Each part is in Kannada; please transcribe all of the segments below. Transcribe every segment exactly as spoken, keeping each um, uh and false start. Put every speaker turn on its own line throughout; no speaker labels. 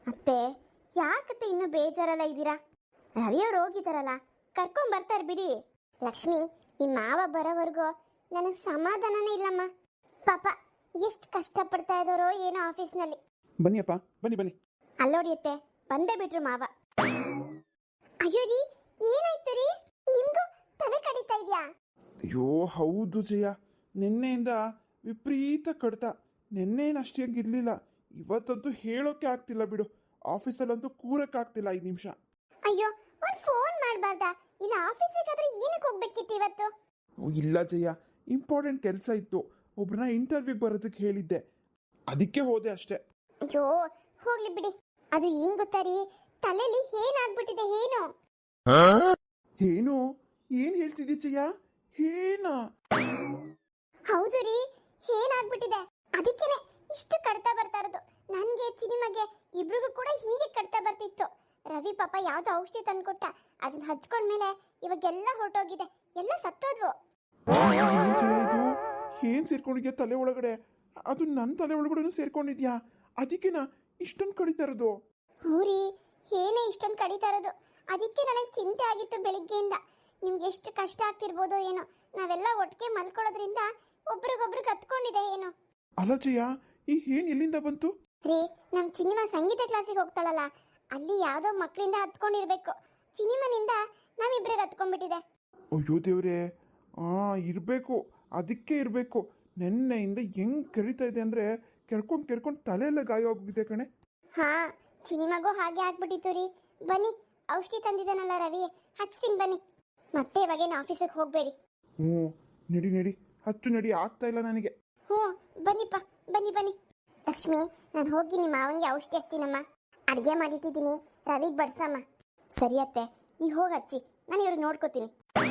ಅತ್ತೆ, ಯಾಕತ್ತೆ ಇನ್ನೂ ಬೇಜಾರಲ್ಲ ಇದ್ದೀರಾ? ರವಿಯವ್ರು ಹೋಗಿದಾರಲ್ಲ, ಕರ್ಕೊಂಡ್ ಬರ್ತಾರೆ ಬಿಡಿ. ಲಕ್ಷ್ಮಿ, ನಿಮ್ಮ ಮಾವ ಬರೋವರೆಗೂ ನನಗೆ ಸಮಾಧಾನನೇ ಇಲ್ಲಮ್ಮ. ಪಾಪ ಎಷ್ಟು ಕಷ್ಟಪಡ್ತಾ ಇದ್ದಾರೋ ಏನೋ ಆಫೀಸ್ನಲ್ಲಿ.
ಬನ್ನಿಯಪ್ಪ, ಬನ್ನಿ ಬನ್ನಿ.
ಅಲ್ಲೋಡಿಯತ್ತೆ, ಬಂದೇ ಬಿಟ್ರು ಮಾವ. ಅಯ್ಯೋ ರೀ, ಏನಾಯ್ತು ರೀ? ನಿಮ್ಗೂ ತಲೆ ಕಡಿತಾ ಇದೆಯಾ?
ಅಯ್ಯೋ ಹೌದು ಜಯ, ನಿನ್ನೆಯಿಂದ ವಿಪರೀತ ಕಡ್ತ. ನಿನ್ನೇನು ಅಷ್ಟೇಂಗೆ ಇರಲಿಲ್ಲ, ಇವತ್ತಂತೂ ಹೇಳೋಕೆ ಆಗ್ತಿಲ್ಲ ಬಿಡು. ಆಫೀಸಲ್ಲಂತೂ ಕೂರಕ್ಕಾಗ್ತಿಲ್ಲ ಐದು ನಿಮಿಷ.
ಅಯ್ಯೋ, ಒಂದು ಫೋನ್ ಮಾಡಬಾರ್ದಾ? ಇಲ್ಲ ಆಫೀಸಿಗಾದ್ರೆ ಏನಕ್ಕೆ ಹೋಗ್ಬೇಕಿತ್ತು ಇವತ್ತು?
ಇಲ್ಲ ಜಯ, ಇಂಪಾರ್ಟೆಂಟ್ ಕೆಲಸ ಇತ್ತು. ಒಬ್ರನ್ನ ಇಂಟರ್ವ್ಯೂಗೆ ಬರೋದಕ್ಕೆ ಹೇಳಿದ್ದೆ, ಅದಕ್ಕೆ ಹೋದೆ ಅಷ್ಟೇ.
ಅಯ್ಯೋ ಹೋಗ್ಲಿ ಬಿಡಿ. ಅದು ಏನ್ ಗೊತ್ತಾ ರೀ, ತಲೆಯಲ್ಲಿ ಏನಾಗ್ಬಿಟ್ಟಿದೆ ಏನು?
ಏನು ಏನ್ ಹೇಳ್ತಿದ್ದಿ ಜಯ? ಏನಾ?
ಹೌದು ರೀ, ಏನಾಗ್ಬಿಟ್ಟಿದೆ. ಅದಕ್ಕೇನೆ ಇಷ್ಟು ಕಡ್ತಾ ಬರ್ತಾ ಇರೋದು. ನನ್ಗೆ ಚಿನಿಮಗೆ ಇಬ್ರಿಗೂ ಕೂಡ ಹೀಗೆ ಕಡ್ತಾ ಬರ್ತಿತ್ತು. ರವಿ ಪಾಪ ಯಾವ್ದೋ ಔಷಧಿ ತಂದ್ಕೊಟ್ಟ, ಅದನ್ನ ಹಚ್ಕೊಂಡ್ಮೇಲೆ ಇವಾಗೆಲ್ಲ ಹೊರಟೋಗಿದೆ, ಎಲ್ಲ ಸತ್ತೋದ್ವು.
ಏನ್ ಜಯ ಇದು? ಏನ್ ಸೇರ್ಕೊಂಡಿದ್ಯಾ ತಲೆ ಒಳಗಡೆ? ಅದು ನನ್ನ ತಲೆ ಒಳಗಡೆ ಸೇರ್ಕೊಂಡಿದ್ಯಾ? ಅದಕ್ಕೆನಾ ಇಷ್ಟೊಂದು ಕಡಿತಾ ಇರೋದು?
ಹೂರಿ, ಏನೇ ಇಷ್ಟೊಂದು ಕಡಿತಾ ಇರೋದು. ಅದಕ್ಕೆ ನನಗೆ ಚಿಂತೆ ಆಗಿತ್ತು ಬೆಳಿಗ್ಗೆಯಿಂದ. ನಿಮ್ಗೆ ಎಷ್ಟು ಕಷ್ಟ ಆಗ್ತಿರ್ಬೋದೋ ಏನೋ. ನಾವೆಲ್ಲ ಒಟ್ಟಿಗೆ ಮಲ್ಕೊಳ್ಳೋದ್ರಿಂದ ಒಬ್ರಿಗೊಬ್ರಿಗೆ ಹತ್ಕೊಂಡಿದೆ ಏನೋ.
ಅಲ್ಲ ಜಯ, ಈ ಏನ್ ಎಲ್ಲಿಂದ ಬಂತು?
ರೀ, ನಮ್ ಚಿನಿಮಾ ಸಂಗೀತ ಕ್ಲಾಸಿಗೆ ಹೋಗ್ತಾಳಲ್ಲ, ಅಲ್ಲಿ ಯಾವ್ದೋ ಮಕ್ಕಳಿಂದ ಹತ್ಕೊಂಡಿರ್ಬೇಕು. ಚಿನಿಮನಿಂದ ನಾವಿಬ್ರಿಗೆ ಹತ್ಕೊಂಡ್ಬಿಟ್ಟಿದೆ.
ಅಯ್ಯೋ ದೇವ್ರೆ, ಆ ಇರಬೇಕು, ಅದಕ್ಕೆ ಇರಬೇಕು. ನೆನ್ನೆಯಿಂದ ಹೆಂಗ್ ಕರಿತಾ ಇದೆ ಅಂದ್ರೆ ಕೆರ್ಕೊಂಡು ಕೆರ್ಕೊಂಡು ತಲೆಯೆಲ್ಲ ಗಾಯ ಹೋಗಿದೆ ಕಣೆ.
ಹಾ, ಚಿನಿಮಗೂ ಹಾಗೆ ಆಗ್ಬಿಟ್ಟಿತ್ತು ರೀ. ಬನ್ನಿ, ಔಷಧಿ ತಂದಿದ್ದಾನಲ್ಲ ರವಿ, ಹಚ್ತೀನಿ ಬನ್ನಿ. ಮತ್ತೆ ಇವಾಗೇನು ಆಫೀಸಿಗೆ ಹೋಗಬೇಡಿ.
ಹ್ಞೂ ನಡಿ ನಡಿ, ಹಚ್ಚು ನಡಿ, ಆಗ್ತಾ ಇಲ್ಲ ನನಗೆ.
ಹ್ಞೂ ಬನ್ನಿಪ್ಪ, ಬನ್ನಿ ಬನ್ನಿ. ಲಕ್ಷ್ಮಿ, ನಾನು ಹೋಗಿ ನಿಮ್ಮ ಮಾವನಿಗೆ ಔಷಧಿ ಹಚ್ತೀನಮ್ಮ. ಅಡುಗೆ ಮಾಡಿಟ್ಟಿದ್ದೀನಿ, ರವಿಗೆ ಬಡ್ಸಮ್ಮ. ಸರಿ ಅತ್ತೆ, ನೀವು ಹೋಗಿ ಹಚ್ಚಿ, ನಾನು ಇವ್ರಿಗೆ ನೋಡ್ಕೋತೀನಿ.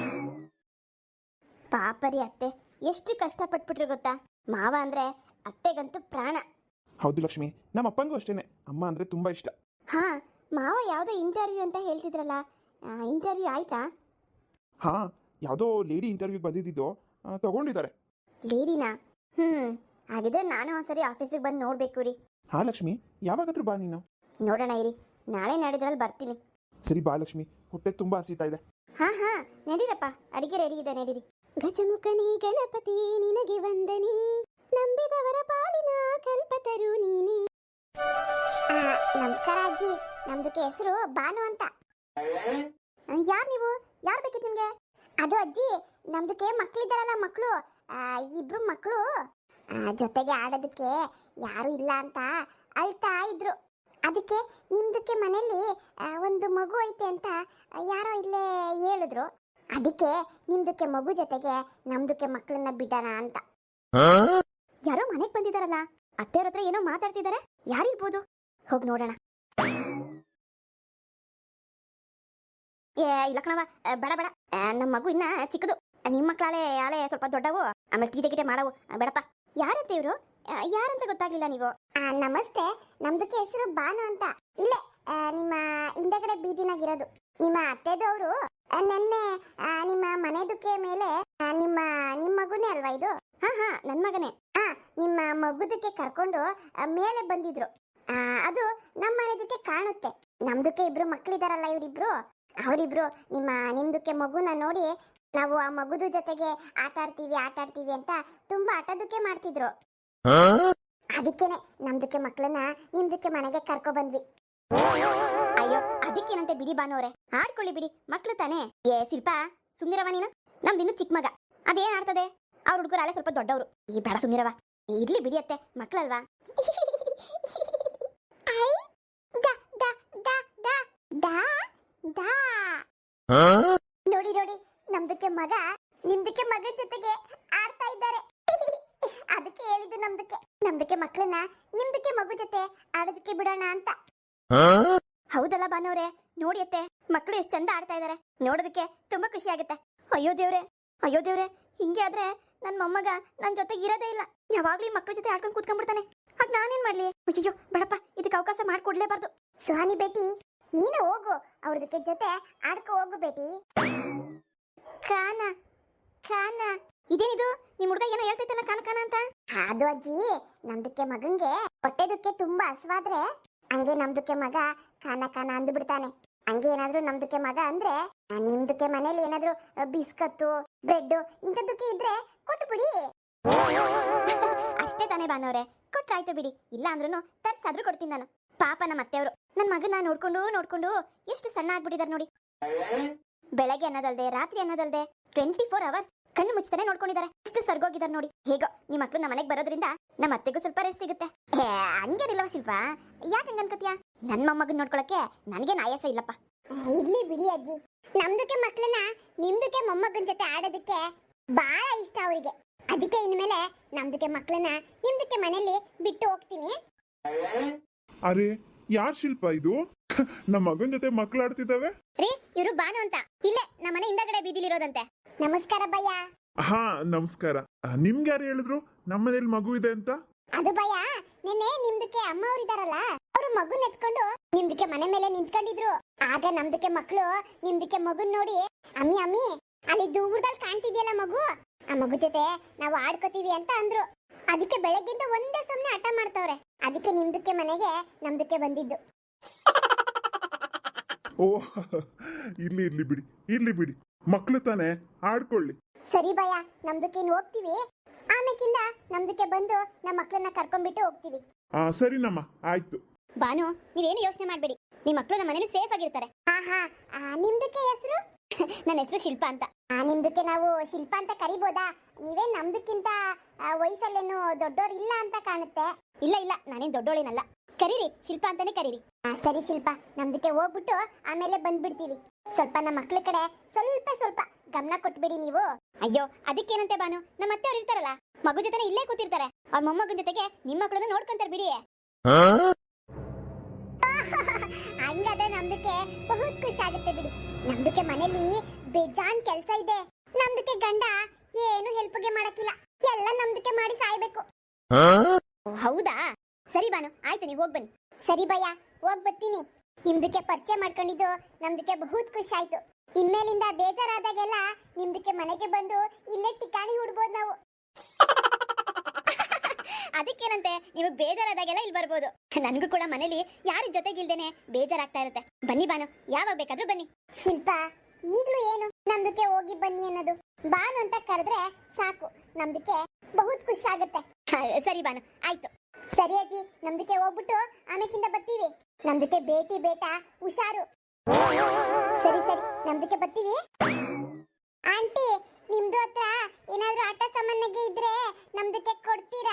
ಪಾಪ ರೀ ಅತ್ತೆ, ಎಷ್ಟು ಕಷ್ಟಪಟ್ಬಿಟ್ರು ಗೊತ್ತಾ? ಮಾವ ಅಂದರೆ ಅತ್ತೆಗಂತೂ ಪ್ರಾಣ.
ಹೌದು ಲಕ್ಷ್ಮಿ, ನಮ್ಮ ಅಪ್ಪಂಗೂ ಅಷ್ಟೇನೆ, ಅಮ್ಮ ಅಂದರೆ ತುಂಬ ಇಷ್ಟ.
ಹಾಂ, ಮಾವ ಯಾವುದೋ ಇಂಟರ್ವ್ಯೂ ಅಂತ ಹೇಳ್ತಿದ್ರಲ್ಲ, ಇಂಟರ್ವ್ಯೂ ಆಯ್ತಾ?
ಹಾಂ, ಯಾವುದೋ ಲೇಡಿ ಇಂಟರ್ವ್ಯೂಗೆ ಬಂದಿದ್ದು ತಗೊಂಡಿದ್ದಾರೆ.
ಲೇಡಿನಾ? ಹ್ಞೂ, ಹಾಗಿದ್ರೆ ನಾನು ಒಂದ್ಸರಿ ಆಫೀಸಿಗೆ ಬಂದು ನೋಡಬೇಕು ರೀ.
ಹಾಂ ಲಕ್ಷ್ಮಿ, ಯಾವಾಗಾದ್ರೂ ಬಾ ನೀನು.
ನೋಡೋಣ ಇರಿ, ನಾಳೆ ನಾಡಿದ್ರಲ್ಲಿ ಬರ್ತೀನಿ.
ಸರಿ ಬಾ ಲಕ್ಷ್ಮಿ, ಹೊಟ್ಟೆ ತುಂಬ ಹಸಿತಾ ಇದೆ.
ಹಾಂ ಹಾಂ, ನಡೀರಪ್ಪ, ಅಡಿಗೆ ರೆಡಿ ಇದೆ, ನಡೀರಿ. ಗಜಮುಖನಿ ಗಣಪತಿ ನಿನಗೆ ವಂದನಿ, ನಂಬಿದವರ ಪಾಲಿನ ಕಲ್ಪತರು ನೀನಿ. ನಮಸ್ಕಾರ ಅಜ್ಜಿ, ನಮ್ದಕ್ಕೆ ಹೆಸರು ಬಾನು ಅಂತ. ಯಾರು ನೀವು? ಯಾರು ಬೇಕಿತ್ತು ನಿಮ್ಗೆ? ಅದು ಅಜ್ಜಿ, ನಮ್ದಕ್ಕೆ ಮಕ್ಳಿದ್ದಾರಲ್ಲ, ಮಕ್ಕಳು ಇಬ್ರು ಮಕ್ಕಳು ಜೊತೆಗೆ ಆಡೋದಕ್ಕೆ ಯಾರು ಇಲ್ಲ ಅಂತ ಅಳ್ತಾ ಇದ್ರು. ಅದಕ್ಕೆ ನಿಮ್ದಕ್ಕೆ ಮನೇಲಿ ಒಂದು ಮಗು ಐತೆ ಅಂತ ಯಾರೋ ಇಲ್ಲೇ ಹೇಳಿದ್ರು. ಅದಕ್ಕೆ ನಿಮ್ದಕ್ಕೆ ಮಗು ಜೊತೆಗೆ ನಮ್ದಕ್ಕೆ ಮಕ್ಕಳನ್ನ ಬಿಡೋಣ ಅಂತ. ಯಾರೋ ಮನೆಗೆ ಬಂದಿದಾರಲ್ಲ, ಅತ್ತೆಯವ್ರ ಹತ್ರ ಏನೋ ಮಾತಾಡ್ತಿದ್ದಾರೆ. ಯಾರಿರ್ಬೋದು? ಹೋಗಿ ನೋಡೋಣ. ಏ ಇಲ್ಲ ಕಣವ, ಬೇಡ ಬೇಡ, ನಮ್ಮ ಮಗು ಇನ್ನ ಚಿಕ್ಕದು. ನಿಮ್ಮ ಮಕ್ಕಳಾಲೆ ಆಲೆ ಸ್ವಲ್ಪ ದೊಡ್ಡವು, ಆಮೇಲೆ ತೀಟೆ ಗಿಟೆ ಮಾಡವು, ಬೇಡಪ್ಪ. ಯಾರತ್ತೆ ಇವರು? ಯಾರಂತ ಗೊತ್ತಾಗ್ಲಿಲ್ಲ ನೀವು? ನಮಸ್ತೆ, ನಮ್ದಕ್ಕೆ ಹೆಸರು ಬಾನು ಅಂತ. ಇಲ್ಲೇ ನಿಮ್ಮ ಹಿಂದಗಡೆ ಬೀದಿನಾಗಿರೋದು. ನಿಮ್ಮ ಅತ್ತೆದವರು ನೆನ್ನೆ ನಿಮ್ಮ ಮನೆದಕ್ಕೆ ಮೇಲೆ ನಿಮ್ಮ ನಿಮ್ಮ ಮಗುನೇ ಅಲ್ವಾ ಇದು? ಹಾ ಹಾ, ನನ್ನ ಮಗನೇ. ಹಾ, ನಿಮ್ಮ ಮಗುದಕ್ಕೆ ಕರ್ಕೊಂಡು ಮೇಲೆ ಬಂದಿದ್ರು. ಅದು ನಮ್ಮ ಮನೆದಕ್ಕೆ ಕಾಣುತ್ತೆ. ನಮ್ದಕ್ಕೆ ಇಬ್ರು ಮಕ್ಕಳಿದಾರಲ್ಲ, ಇವರಿಬ್ರು, ಅವರಿಬ್ರು ನಿಮ್ಮ ನಿಮ್ದಕ್ಕೆ ಮಗುನ ನೋಡಿ ನಾವು ಆ ಮಗುದ ಜೊತೆಗೆ ಆಟ ಆಡ್ತೀವಿ ಆಟ ಆಡ್ತೀವಿ ಅಂತ ತುಂಬಾ ಆಟೋದಕ್ಕೆ ಮಾಡ್ತಿದ್ರು. ಅದಕ್ಕೇನೆ ನಮ್ದಕ್ಕೆ ಮಕ್ಕಳನ್ನ ನಿಮ್ದಕ್ಕೆ ಮನೆಗೆ ಕರ್ಕೊ ಬಂದ್ವಿ. ಅಯ್ಯೋ, ಅದಕ್ಕೇನಂತೆ ಬಿಡಿ ಬಾನೋರೆ, ಆಡ್ಕೊಳ್ಳಿ ಬಿಡಿ, ಮಕ್ಳು ತಾನೇ. ಏ ಶಿಲ್ಪ, ಸುಮ್ನಿರವ ನೀನು. ನಮ್ದಿನ್ನು ಚಿಕ್ಕ ಮಗ, ಅದೇನ್ ಆಡ್ತದೆ? ಅವ್ರ ಹುಡುಗರು ಅಲ್ಲೇ ಸ್ವಲ್ಪ ದೊಡ್ಡವರು. ಈ ಬೇಡ, ಸುಮ್ನಿರವ. ಇರ್ಲಿ ಬಿಡಿ ಅತ್ತೆ, ಮಕ್ಳಲ್ವಾ. ನೋಡಿ ನೋಡಿ, ನಮ್ದಕ್ಕೆ ಮಗ ನಿಮ್ದಕ್ಕೆ ಮಗನ ಜೊತೆಗೆ ಆಡ್ತಾ ಇದ್ದಾರೆ. ಅದಕ್ಕೆ ಹೇಳಿದ್ದು ನಮ್ದಕ್ಕೆ ನಮ್ದಕ್ಕೆ ಮಕ್ಕಳನ್ನ ನಿಮ್ದಕ್ಕೆ ಮಗು ಜೊತೆ ಆಡೋದಕ್ಕೆ ಬಿಡೋಣ ಅಂತ. ಹೌದಲ್ಲ ಬಾನವ್ರೆ, ನೋಡಿ ಅತ್ತೆ, ಮಕ್ಕಳು ಎಷ್ಟು ಚಂದ ಆಡ್ತಾ ಇದಾರೆ, ನೋಡೋದಕ್ಕೆ ತುಂಬಾ ಖುಷಿ ಆಗುತ್ತೆ. ಅಯ್ಯೋ ದೇವ್ರೆ, ಅಯ್ಯೋ ದೇವ್ರೆ, ಹಿಂಗೆ ಆದ್ರೆ ನನ್ನ ಮೊಮ್ಮಗ ನನ್ನ ಜೊತೆಗೆ ಇರೋದೇ ಇಲ್ಲ. ಯಾವಾಗ್ಲೂ ಈ ಮಕ್ಕಳ ಜೊತೆ ಆಡ್ಕೊಂಡು ಕೂತ್ಕೊಂಡ್ಬಿಡ್ತಾನೆ. ಆಗ ನಾನೇನ್ ಮಾಡ್ಲಿ? ಅಯ್ಯೋ ಬೇಡಪ್ಪ, ಇದಕ್ಕೆ ಅವಕಾಶ ಮಾಡ್ಕೊಡ್ಲೇಬಾರ್ದು. ಸುಹಾನಿ ಬೇಟಿ, ನೀನು ಹೋಗು, ಅವ್ರದಕ್ಕೆ ಜೊತೆ ಆಡ್ಕೊ ಹೋಗು ಬೇಟಿ. ಕಾನ ಕಾನ, ಇದೇನಿದು? ನಿಮ್ ಹುಡುಗ ಏನೋ ಹೇಳ್ತೈತಲ್ಲ ಕಾನ ಕಾನ ಅಂತ. ಅದು ಅಜ್ಜಿ, ನಮ್ದಕ್ಕೆ ಮಗಂಗೆ ಹೊಟ್ಟೆದಕ್ಕೆ ತುಂಬಾ ಹಸುವಾದ್ರೆ ಹಂಗೆ ನಮ್ದಕ್ಕೆ ಮಗ ಕಾನ ಕಾನ ಅಂದು ಬಿಡ್ತಾನೆ. ಹಂಗೆ ಏನಾದ್ರೂ ನಮ್ದಕ್ಕೆ ಮಗ ಅಂದ್ರೆ ಆ, ನಿಮ್ದಕ್ಕೆ ಮನೇಲಿ ಏನಾದ್ರೂ ಬಿಸ್ಕತ್ತು ಬ್ರೆಡ್ ಇಂಥದ್ದಕ್ಕೆ ಇದ್ರೆ ಕೊಟ್ಟು ಬಿಡಿ. ಅಷ್ಟೇ ತಾನೇ ಬಾನವ್ರೆ, ಕೊಟ್ರಾಯ್ತು ಬಿಡಿ. ಇಲ್ಲ ಅಂದ್ರೂ ತರ್ಸಾದ್ರೂ ಕೊಡ್ತೀನಿ ನಾನು. ಪಾಪ ನಮ್ಮ ಅತ್ತೆಯವರು ನನ್ನ ಮಗನ ನೋಡ್ಕೊಂಡು ನೋಡ್ಕೊಂಡು ಎಷ್ಟು ಸಣ್ಣ ಆಗ್ಬಿಟ್ಟಿದಾರೆ ನೋಡಿ. ಬೆಳಗ್ಗೆ ಅನ್ನೋದಲ್ದೆ ರಾತ್ರಿ ಅನ್ನೋದಲ್ದೆ ಟ್ವೆಂಟಿ ಫೋರ್ ಅವರ್ಸ್ ಕಣ್ಣು ಮುಚ್ಚತಾನೆ ನೋಡ್ಕೊಂಡಿದ್ದಾರೆ. ಎಷ್ಟು ಸರ್ಗೋಗಿದ್ದಾರೆ ನೋಡಿ. ಹೇಗೋ ನಿಮ್ಮ ಮಕ್ಳು ನಮ್ಮ ಮನೆಗೆ ಬರೋದ್ರಿಂದ ನಮ್ಮ ಅತ್ತೆಗೂ ಸ್ವಲ್ಪ ರೆಸ್ಟ್ ಸಿಗುತ್ತೆ. ಹೇ, ಹಂಗೇನಿಲ್ಲವ ಶಿಲ್ಪ, ಯಾಕೆ ಹಂಗ ಅನ್ಕೋತೀಯ? ನನ್ನ ಮೊಮ್ಮಗನ್ ನೋಡ್ಕೊಳಕ್ಕೆ ನನಗೇನು ಆಯಾಸ ಇಲ್ಲಪ್ಪ. ಇರ್ಲಿ ಬಿಡಿ ಅಜ್ಜಿ, ನಮ್ದಕ್ಕೆ ಮಕ್ಳನ್ನ ನಿಮ್ದಕ್ಕೆ ಮೊಮ್ಮಗನ್ ಜೊತೆ ಆಡೋದಕ್ಕೆ ಬಹಳ ಇಷ್ಟ ಅವರಿಗೆ. ಅದಕ್ಕೆ ಇನ್ಮೇಲೆ ನಮ್ದಕ್ಕೆ ಮಕ್ಳನ್ನ ನಿಮ್ದಕ್ಕೆ ಮನೇಲಿ ಬಿಟ್ಟು ಹೋಗ್ತೀನಿ.
ಅರೆ ಯಾರ್ ಶಿಲ್ಪ ಇದು? ನಮ್ಮ ಮಗನ್ ಜೊತೆ ಮಕ್ಳು ಆಡ್ತಿದ್ದಾವೆ.
ರೀ, ಇವರು ಬಾನು ಅಂತ, ಇಲ್ಲೇ ನಮ್ಮ ಮನೆ ಹಿಂದಗಡೆ ಬೀದಿಲಿರೋದಂತೆ. ನಮಸ್ಕಾರ ಭಯ್ಯ.
ಹಾ ನಮಸ್ಕಾರ. ಆ, ನಿಮ್ಗೆ ಯಾರು ಹೇಳಿದ್ರು ನಮ್ಮ ಮನೇಲಿ ಮಗು ಇದೆ ಅಂತ?
ಅದು ಭಯ, ನಿನ್ನೆ ನಿಮ್ದಕ್ಕೆ ಅಮ್ಮ ಅವ್ರಿದಾರಲ್ಲ, ಅವರು ಮಗುನ್ ಎತ್ಕೊಂಡು ನಿಮ್ದಕ್ಕೆ ಮನೆ ಮೇಲೆ ನಿಂತ್ಕೊಂಡಿದ್ರು. ಆಗ ನಮ್ದಕ್ಕೆ ಮಕ್ಕಳು ನಿಮ್ದಕ್ಕೆ ಮಗುನ್ ನೋಡಿ, ಅಮ್ಮಿ ಅಮ್ಮಿ ಅಲ್ಲಿ ದೂರದಲ್ಲಿ ಕಾಣ್ತಿದ್ಯಲ್ಲ ಮಗು, ಆ ಮಗು ಜೊತೆ ನಾವು ಆಡ್ಕೋತೀವಿ ಅಂತ ಅಂದ್ರು. ಅದಕ್ಕೆ ಬೆಳಗ್ಗಿಂದ ಒಂದೇ ಸುಮ್ನೆ ಹಠ ಮಾಡ್ತವ್ರೆ. ಅದಕ್ಕೆ ನಿಮ್ದಕ್ಕೆ ಮನೆಗೆ ನಮ್ದಕ್ಕೆ ಬಂದಿದ್ದು.
ಓ ಇರ್ಲಿ ಇರ್ಲಿ ಬಿಡಿ, ಇರ್ಲಿ ಬಿಡಿ, ಮಕ್ಳು ತಾನೇ, ಆಡ್ಕೊಳ್ಳಿ.
ಸರಿ ಭಯ, ನಮ್ದಕ್ಕೆ ಇನ್ನು ಹೋಗ್ತೀವಿ. ಆಮೇಕಿಂದ ನಮ್ದಕ್ಕೆ ಬಂದು ನಮ್ಮ ಮಕ್ಕಳನ್ನ ಕರ್ಕೊಂಡ್ಬಿಟ್ಟು ಹೋಗ್ತೀವಿ.
ಆ ಸರಿನಮ್ಮ, ಆಯ್ತು.
ಬಾನು, ನೀವೇನು ಯೋಚನೆ ಮಾಡ್ಬೇಡಿ, ನಿಮ್ಮ ಮಕ್ಕಳು ನಮ್ಮ ಮನೇಲಿ ಸೇಫ್ ಆಗಿರ್ತಾರೆ. ಆಹಾ, ನಿಮ್ದಕ್ಕೆ ಹೆಸರು? ನನ್ನ ಹೆಸರು ಶಿಲ್ಪ ಅಂತ. ಆ, ನಿಮ್ದಕ್ಕೆ ನಾವು ಶಿಲ್ಪ ಅಂತ ಕರಿಬೋದಾ? ನೀವೇ ನಮ್ದಕ್ಕಿಂತ ವಯಸ್ಸಲ್ಲೇನು ದೊಡ್ಡೋರ್ ಇಲ್ಲ ಅಂತ ಕಾಣುತ್ತೆ. ಇಲ್ಲ ಇಲ್ಲ, ನಾನೇನ್ ದೊಡ್ಡೋಳೇನಲ್ಲ. ಕರೀರಿ, ಶಿಲ್ಪ ಅಂತಾನೆ ಕರೀರಿ. ಸರಿ ಶಿಲ್ಪ, ನಮ್ದಕ್ಕೆ ಹೋಗ್ಬಿಟ್ಟು ಆಮೇಲೆ ಬಂದ್ಬಿಡ್ತೀವಿ. ಸ್ವಲ್ಪ ನಮ್ಮ ಮಕ್ಳ ಕಡೆ ಸ್ವಲ್ಪ ಸ್ವಲ್ಪ ಗಮನ ಕೊಟ್ಬಿಡಿ ನೀವು. ಅಯ್ಯೋ, ಅದಕ್ಕೇನಂತೆ ಬಾನು, ನಮ್ಮ ಅತ್ತೆ ಅವ್ರು ಇರ್ತಾರಲ್ಲ, ಮಗು ಜೊತೆ ಇಲ್ಲೇ ಕೂತಿರ್ತಾರೆ. ಅವ್ರ ಮೊಮ್ಮಗನ ಜೊತೆಗೆ ನಿಮ್ಮ ಮಕ್ಕಳನ್ನು ನೋಡ್ಕೊಂತಾರೆ ಬಿಡಿ. ಹಂಗಾದ್ರೆ ನಮ್ದಕ್ಕೆ ಬಹುತ್ ಖುಷಿ ಆಗುತ್ತೆ ಬಿಡಿ. ನಮ್ದಕ್ಕೆ ಮನೇಲಿ ಬೇಜಾನ್ ಕೆಲ್ಸ ಇದೆ. ನಮ್ದಕ್ಕೆ ಗಂಡ ಏನು ಹೆಲ್ಪ್ಗೆ ಮಾಡಕ್ಕಿಲ್ಲ, ಎಲ್ಲ ನಮ್ದಕ್ಕೆ ಮಾಡಿ ಸಾಯ್ಬೇಕು. ಹೌದಾ? ಸರಿ ಬಾನು, ಆಯ್ತು, ನೀವು ಹೋಗ್ ಬನ್ನಿ. ಸರಿ ಭಯ್ಯ, ಹೋಗ್ ಬರ್ತೀನಿ. ನಿಮ್ದಕ್ಕೆ ಪರಿಚಯ ಮಾಡ್ಕೊಂಡಿದ್ದು ನಮ್ದಕ್ಕೆ ಬಹುತ್ ಖುಷಿ ಆಯ್ತು. ಇನ್ಮೇಲಿಂದ ಬೇಜಾರಾದಾಗೆಲ್ಲ ನಿಮ್ದಕ್ಕೆ ಮನೆಗೆ ಬಂದು ಇಲ್ಲೇ ಟಿಕಾಣಿ ಹುಡ್ಬೋದು ನಾವು. ಅದಕ್ಕೇನಂತೆ, ನಿಮಗೆ ಬೇಜಾರಾದಾಗೆಲ್ಲ ಇಲ್ಲಿ ಬರ್ಬೋದು. ನನಗೂ ಕೂಡ ಮನೇಲಿ ಯಾರ ಜೊತೆಗಿಲ್ದೇನೆ ಬೇಜಾರಾಗ್ತಾ ಇರುತ್ತೆ. ಬನ್ನಿ ಬಾನು, ಯಾವಾಗ ಬೇಕಾದ್ರೂ ಬನ್ನಿ. ಶಿಲ್ಪ, ಈಗ್ಲೂ ಏನು ನಮ್ದಕ್ಕೆ ಹೋಗಿ ಬನ್ನಿ ಅನ್ನೋದು? ಬಾನು ಅಂತ ಕರೆದ್ರೆ ಸಾಕು, ನಮ್ದಕ್ಕೆ ಬಹುತ್ ಖುಷಿ ಆಗುತ್ತೆ. ಸರಿ ಬಾನು, ಆಯ್ತು. ಸರಿ ಅಜ್ಜಿ, ನಮ್ದಕ್ಕೆ ಹೋಗ್ಬಿಟ್ಟು ಆಮೇಕಿಂದ ಬರ್ತೀವಿ. ನಮ್ದಕ್ಕೆ ಬೇಟಿ ಬೇಟ ಹುಷಾರು. ಸರಿ ಸರಿ, ನಮ್ದಕ್ಕೆ ಬರ್ತೀವಿ. ಆಂಟಿ, ನಿಮ್ದು ಹತ್ರ ಏನಾದ್ರೂ ಆಟ ಸಾಮಾನಿಗೆ ಇದ್ರೆ ನಮ್ದಕ್ಕೆ ಕೊಡ್ತೀರಾ?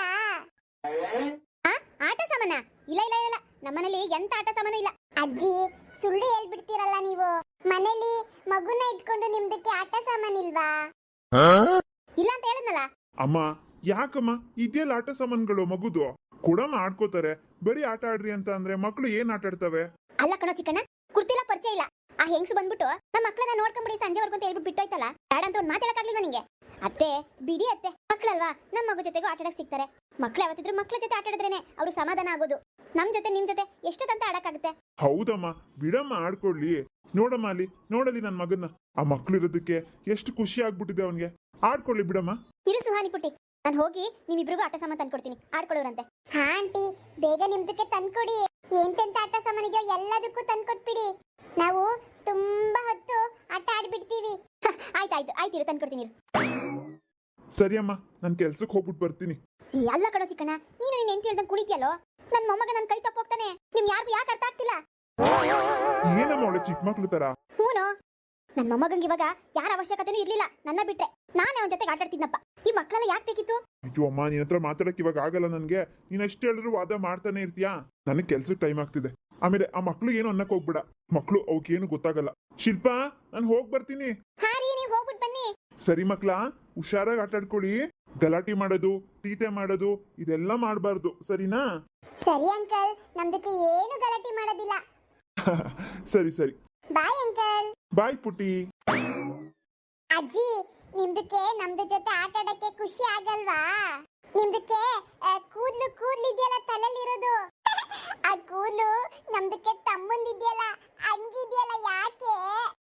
ಆಟ ಸಾಮಾನ? ಇಲ್ಲ ಇಲ್ಲ ಇಲ್ಲ, ನಮ್ಮನೇಲಿ ಎಂತ ಆಟ ಸಾಮಾನು ಇಲ್ಲ. ಅಜ್ಜಿ, ಸುಳ್ಳು ಹೇಳ್ಬಿಡ್ತೀರಲ್ಲ ನೀವು. ಮನೇಲಿ ಮಗುನ ಇಟ್ಕೊಂಡು ನಿಮ್ದಕ್ಕೆ ಆಟ ಸಾಮಾನಿಲ್ವಾ? ಇಲ್ಲ ಅಂತ ಹೇಳಿದ್ನಲ್ಲ.
ಅಮ್ಮ, ಯಾಕಮ್ಮ ಇದೆಲ್ಲ ಆಟ ಸಾಮಾನುಗಳು ಮಗುದು? ಕೊಡಮ್ಮ, ಆಡ್ಕೋತಾರೆ. ಬರೀ ಆಟ ಆಡ್ರಿ ಅಂತ ಅಂದ್ರೆ ಮಕ್ಳು ಏನ್ ಆಟ ಆಡ್ತವೆ?
ಅಲ್ಲ ಕಣೋ ಚಿಕ್ಕಣ್ಣ, ಕುರ್ತಿಲ್ಲ ಪರಿಚಯ ಇಲ್ಲ. ಆ ಹೆಂಗ್ಸು ಬಂದ್ಬಿಟ್ಟು ನಮ್ಮ ಮಕ್ಕಳನ್ನ ನೋಡ್ಕೊಂಬಿಡಿ ಸಂಜೆವರೆಗೂ ಅಂತ ಹೇಳ್ಬಿಟ್ಟು ಬಿಟ್ಟೋಯ್ತಲ್ಲ. ಬೇಡ ಅಂತ ಒಂದು ಮಾತಾಡಕ್ಕಾಗ್ಲಿಲ್ವಾ ನಿಂಗೆ? ಅತ್ತೆ ಬಿಡಿ ಅತ್ತೆ, ಮಕ್ಳಲ್ವಾ, ನಮ್ಮ ಮಗು ಜೊತೆಗೂ ಆಟಾಡಕ್ ಸಿಗ್ತಾರೆ. ಮಕ್ಳು ಯಾವತ್ತಿದ್ರು ಮಕ್ಳ ಜೊತೆ ಆಟ ಆಡಿದ್ರೇನೆ ಅವ್ರು ಸಮಾಧಾನ ಆಗೋದು. ನಮ್ ಜೊತೆ ನಿಮ್ ಜೊತೆ ಎಷ್ಟೊತ್ತಂತ ಆಡಕ್ಕಾಗುತ್ತೆ?
ಹೌದಮ್ಮ, ಬಿಡಮ್ಮ, ಆಡ್ಕೊಳ್ಳಿ. ನೋಡಮ್ಮ ಅಲ್ಲಿ, ನೋಡಲಿ ನನ್ ಮಗನ್ನ. ಆ ಮಕ್ಳು ಇರೋದಕ್ಕೆ ಎಷ್ಟು ಖುಷಿ ಆಗ್ಬಿಟ್ಟಿದೆ ಅವನ್ಗೆ. ಆಡ್ಕೊಳ್ಳಿ ಬಿಡಮ್ಮ.
ಇರು ಸುಹಾನಿ ಪುಟ್ಟಿ, ನಾನು ಹೋಗಿ ನಿಮ್ಮಿಬ್ರಿಗೂ ಆಟ ಸಾಮಾನು ತಂದ್ಕೊಡ್ತೀನಿ, ಆಡ್ಕೊಳ್ಳೋರಂತೆ. ಹಾ ಆಂಟಿ, ಬೇಗ ನಿಮ್ದಕ್ಕೆ ತಂದ್ಕೊಡಿ. ಎಂತೆಂತ ಆಟ ಸಾಮಾನಿಗೆ ಎಲ್ಲದಕ್ಕೂ ತಂದ್ಕೊಟ್ಬಿಡಿ. ನಾವು ತುಂಬಾ ಹೊತ್ತು ಆಟ ಆಡ್ಬಿಡ್ತೀವಿ. ಆಯ್ತಾಯ್ತು, ಆಯ್ತಿರು, ತಂದ್ಕೊಡ್ತೀನಿ.
ಸರಿ ಅಮ್ಮ, ನನ್ ಕೆಲ್ಸಕ್ಕೆ ಹೋಗ್ಬಿಟ್ಟು ಬರ್ತೀನಿ.
ಎಲ್ಲ ಕಣೋ ಚಿಕ್ಕಣ್ಣ, ನೀನು ನಿನ್ ಹೆಂಡತಿ ಹೇಳ್ದಂಗೆ ಕುಳಿತಿಯಲ್ಲೋ. ನನ್ ಮೊಮ್ಮಗ ನನ್ ಕೈ ತಪ್ಪೋಗ್ತಾನೆ. ನಿಮ್ ಯಾರಿಗೂ ಯಾಕೆ ಅರ್ಥ ಆಗ್ತಿಲ್ಲ?
ಏನಮ್ಮ ಅವಳೆ ಚಿಕ್ಕ ಮಕ್ಳು ತರ?
ಹೂನೋ, ನನ್ ಮೊಮ್ಮಗಂಗೆ ಇವಾಗ ಯಾರ ಅವಶ್ಯಕತೆನೂ ಇರ್ಲಿಲ್ಲ, ನನ್ನ ಬಿಟ್ರೆ. ನಾನೇ ಅವನ ಜೊತೆಗೆ ಆಟ ಆಡ್ತಿದ್ನಪ್ಪ. ಈ ಮಕ್ಕಳೆಲ್ಲ ಯಾಕೆ ಬೇಕಿತ್ತು?
ಅಯ್ಯೋ ಅಮ್ಮ, ನಿನ್ ಹತ್ರ ಮಾತಾಡಕ್ ಇವಾಗ ಆಗಲ್ಲ ನನ್ಗೆ. ನೀನ್ ಎಷ್ಟು ಹೇಳಿದ್ರು ವಾದ ಮಾಡ್ತಾನೆ ಇರ್ತೀಯಾ. ನನಗ್ ಕೆಲ್ಸಕ್ಕೆ ಟೈಮ್ ಆಗ್ತಿದೆ. ಆಮೇಲೆ ಆ ಮಕ್ಳು ಏನು ಅನ್ನಕ್ ಹೋಗ್ಬೇಡ. ಮಕ್ಳು ಅವಕ್ಕೇನು ಗೊತ್ತಾಗಲ್ಲ. ಶಿಲ್ಪಾ, ನಾನು ಹೋಗ್ ಬರ್ತೀನಿ.
ಹಾ ರೀ, ನೀವು ಹೋಗ್ಬಿಟ್ಟು ಬನ್ನಿ.
ಸರಿ ಮಕ್ಳ, ಹುಷಾರಾಗಿ ಆಟ ಆಡ್ಕೊಳ್ಳಿ. ಗಲಾಟೆ ಮಾಡೋದು, ತೀಟೆ ಮಾಡೋದು ಇದೆಲ್ಲ ಮಾಡಬಾರ್ದು, ಸರಿನಾ?
ಸರಿ ಅಂಕಲ್, ನಮ್ದಕ್ಕೆ ಏನು ಗಲಾಟೆ ಮಾಡೋದಿಲ್ಲ.
ಸರಿ ಸರಿ,
ಬಾಯ್ ಅಂಕಲ್.
ಬಾಯ್ ಪುಟಿ.
ಅಜ್ಜಿ, ನಿಮ್ದಕ್ಕೆ ನಮ್ದು ಜೊತೆ ಆಟ ಆಡಕ್ಕೆ ಖುಷಿ ಆಗಲ್ವಾ? ನಿಮ್ದಕ್ಕೆ ಕೂದ್ಲು ಕೂದ್ಲಿದೆಯಲ್ಲ ತಲೆಲಿರೋದು, ಆ ಕೂದ್ಲು ನಮ್ದಕ್ಕೆ ತಮ್ಮಂದಿದೆಯಲ್ಲ ಹಂಗಿದೆಯಲ್ಲ, ಯಾಕೆ?